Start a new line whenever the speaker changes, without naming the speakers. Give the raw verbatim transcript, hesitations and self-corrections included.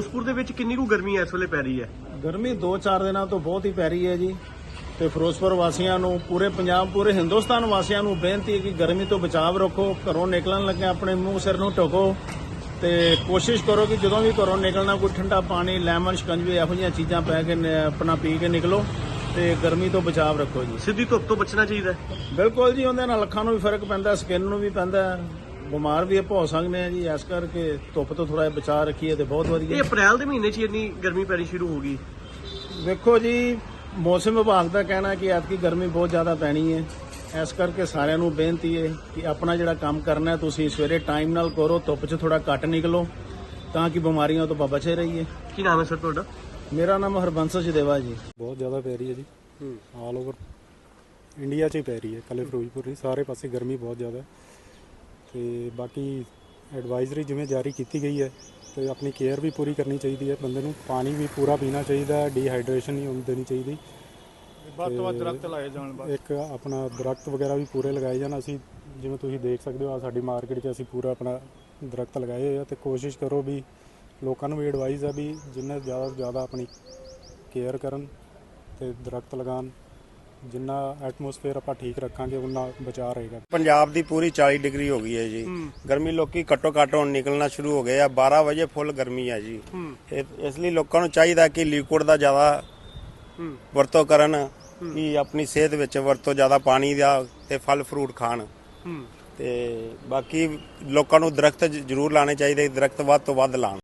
ਫਿਰੋਜ਼ਪੁਰ ਦੇ ਵਿੱਚ ਕਿੰਨੀ ਕੁ ਗਰਮੀ ਇਸ ਵੇਲੇ ਪੈ ਰਹੀ ਹੈ?
ਗਰਮੀ ਦੋ ਚਾਰ ਦਿਨਾਂ ਤੋਂ ਬਹੁਤ ਹੀ ਪੈ ਰਹੀ ਹੈ ਜੀ। ਤੇ ਫਿਰੋਜ਼ਪੁਰ ਵਾਸੀਆਂ ਨੂੰ, ਪੂਰੇ ਪੰਜਾਬ, ਪੂਰੇ ਹਿੰਦੁਸਤਾਨ ਵਾਸੀਆਂ ਨੂੰ ਬੇਨਤੀ ਹੈ ਕਿ ਗਰਮੀ ਤੋਂ ਬਚਾਅ ਰੱਖੋ। ਘਰੋਂ ਨਿਕਲਣ ਲੱਗੇ ਆਪਣੇ ਮੂੰਹ ਸਿਰ ਨੂੰ ਢੱਕੋ ਤੇ ਕੋਸ਼ਿਸ਼ ਕਰੋ ਕਿ ਜਦੋਂ ਵੀ ਘਰੋਂ ਨਿਕਲਣਾ ਕੋਈ ਠੰਡਾ ਪਾਣੀ, ਲੈਮਨ, ਸ਼ਿਕੰਜਵੀ ਇਹੋ ਜਿਹੀਆਂ ਚੀਜ਼ਾਂ ਪੈ ਕੇ ਨ- ਆਪਣਾ ਪੀ ਕੇ ਨਿਕਲੋ ਤੇ ਗਰਮੀ ਤੋਂ ਬਚਾਅ ਰੱਖੋ ਜੀ।
ਸਿੱਧੀ ਧੁੱਪ ਤੋਂ ਬਚਣਾ ਚਾਹੀਦਾ ਹੈ।
ਬਿਲਕੁਲ ਜੀ, ਉਹਦੇ ਨਾਲ ਅੱਖਾਂ ਨੂੰ ਵੀ ਫਰਕ ਪੈਂਦਾ, ਸਕਿਨ ਨੂੰ ਵੀ ਪੈਂਦਾ, ਬਿਮਾਰ ਵੀ ਆਪਾਂ ਹੋ ਸਕਦੇ ਆ ਜੀ। ਇਸ ਕਰਕੇ ਧੁੱਪ ਤੋਂ ਥੋੜਾ ਜਿਹਾ ਬਚਾਅ ਰੱਖੀਏ ਤੇ ਬਹੁਤ
ਇਹ
ਵਧੀਆ।
ਅਪ੍ਰੈਲ ਦੇ ਮਹੀਨੇ 'ਚ ਹੀ ਇੰਨੀ ਗਰਮੀ ਪੈਣੀ ਸ਼ੁਰੂ ਹੋ ਗਈ।
ਵੇਖੋ ਜੀ, ਮੌਸਮ ਵਿਭਾਗ ਦਾ ਕਹਿਣਾ ਕਿ ਐਤਕੀ ਗਰਮੀ ਬਹੁਤ ਜ਼ਿਆਦਾ ਪੈਣੀ ਹੈ। ਇਸ ਕਰਕੇ ਸਾਰਿਆਂ ਨੂੰ ਬੇਨਤੀ ਹੈ ਕਿ ਆਪਣਾ ਜਿਹੜਾ ਕੰਮ ਕਰਨਾ ਹੈ ਤੁਸੀਂ ਸਵੇਰੇ ਟਾਈਮ ਨਾਲ ਕਰੋ, ਧੁੱਪ 'ਚ ਥੋੜਾ ਘੱਟ ਨਿਕਲੋ ਤਾਂ ਕਿ ਬਿਮਾਰੀਆਂ ਤੋਂ ਬਚੇ ਰਹੀਏ।
ਕੀ ਨਾਮ ਹੈ ਸਰ ਤੁਹਾਡਾ?
ਮੇਰਾ ਨਾਮ ਹਰਬੰਸ ਜਦੇਵਾ ਜੀ।
ਬਹੁਤ ਜ਼ਿਆਦਾ ਪੈ ਰਹੀ ਹੈ ਜੀ। ਆਲ ਓਵਰ ਇੰਡੀਆ 'ਚ ਹੀ ਪੈ ਰਹੀ ਹੈ, ਕੱਲ੍ਹ ਫਿਰੋਜ਼ਪੁਰ ਨਹੀਂ, ਸਾਰੇ ਪਾਸੇ ਗਰਮੀ ਬਹੁਤ ਜ਼ਿਆਦਾ ਹੈ। ਤੇ ਬਾਕੀ ਐਡਵਾਈਜ਼ਰੀ ਜਿਵੇਂ ਜਾਰੀ ਕੀਤੀ ਗਈ ਹੈ ਤੇ ਆਪਣੀ ਕੇਅਰ ਵੀ ਪੂਰੀ ਕਰਨੀ ਚਾਹੀਦੀ ਹੈ। ਬੰਦੇ ਨੂੰ ਪਾਣੀ ਵੀ ਪੂਰਾ ਪੀਣਾ ਚਾਹੀਦਾ ਹੈ, ਡੀਹਾਈਡਰੇਸ਼ਨ ਨਹੀਂ ਹੋਣ ਦੇਣੀ ਚਾਹੀਦੀ।
ਵੱਧ ਤੋਂ ਵੱਧ ਦਰਖਤ ਲਾਏ ਜਾਣ ਬਸ।
ਇੱਕ ਆਪਣਾ ਦਰਖਤ ਵਗੈਰਾ ਵੀ ਪੂਰੇ ਲਗਾਏ ਜਾਣ। ਅਸੀਂ ਜਿਵੇਂ ਤੁਸੀਂ ਦੇਖ ਸਕਦੇ ਹੋ, ਆ ਸਾਡੀ ਮਾਰਕੀਟ 'ਚ ਅਸੀਂ ਪੂਰਾ ਆਪਣਾ ਦਰਖਤ ਲਗਾਏ ਹੋਏ ਆ ਤੇ ਕੋਸ਼ਿਸ਼ ਕਰੋ ਵੀ ਲੋਕਾਂ ਨੂੰ ਵੀ ਐਡਵਾਈਜ਼ ਆ ਵੀ ਜਿੰਨਾ ਜ਼ਿਆਦਾ ਤੋਂ ਜ਼ਿਆਦਾ ਆਪਣੀ ਕੇਅਰ ਕਰਨ ਤੇ ਦਰਖਤ ਲਗਾਉਣ। ਜਿੰਨਾ ਐਟਮੋਸਫੇਅਰ ਆਪਾਂ ਠੀਕ ਰੱਖਾਂਗੇ ਉਨਾ ਬਚਾਅ ਰਹੇਗਾ।
ਪੰਜਾਬ ਦੀ ਪੂਰੀ ਚਾਲੀ ਡਿਗਰੀ ਹੋ ਗਈ ਹੈ ਜੀ। ਗਰਮੀ ਲੋਕੀ ਘੱਟੋ ਘੱਟ ਹੁਣ ਨਿਕਲਣਾ ਸ਼ੁਰੂ ਹੋ ਗਏ ਆ। ਬਾਰਾਂ ਵਜੇ ਫੁੱਲ ਗਰਮੀ ਹੈ ਜੀ। ਇਹ- ਇਸ ਲਈ ਲੋਕਾਂ ਨੂੰ ਚਾਹੀਦਾ ਕਿ ਲਿਕੁਇਡ ਦਾ ਜ਼ਿਆਦਾ ਵਰਤੋਂ ਕਰਨ, ਕਿ ਆਪਣੀ ਸਿਹਤ ਵਿੱਚ ਵਰਤੋਂ ਜ਼ਿਆਦਾ ਪਾਣੀ ਦਾ ਤੇ ਫਲ ਫਰੂਟ ਖਾਣ। ਤੇ ਬਾਕੀ ਲੋਕਾਂ ਨੂੰ ਦਰਖਤ ਜ਼ਰੂਰ ਲਾਣੇ ਚਾਹੀਦੇ, ਦਰਖਤ ਵੱਧ ਤੋਂ ਵੱਧ ਲਾਉਣ।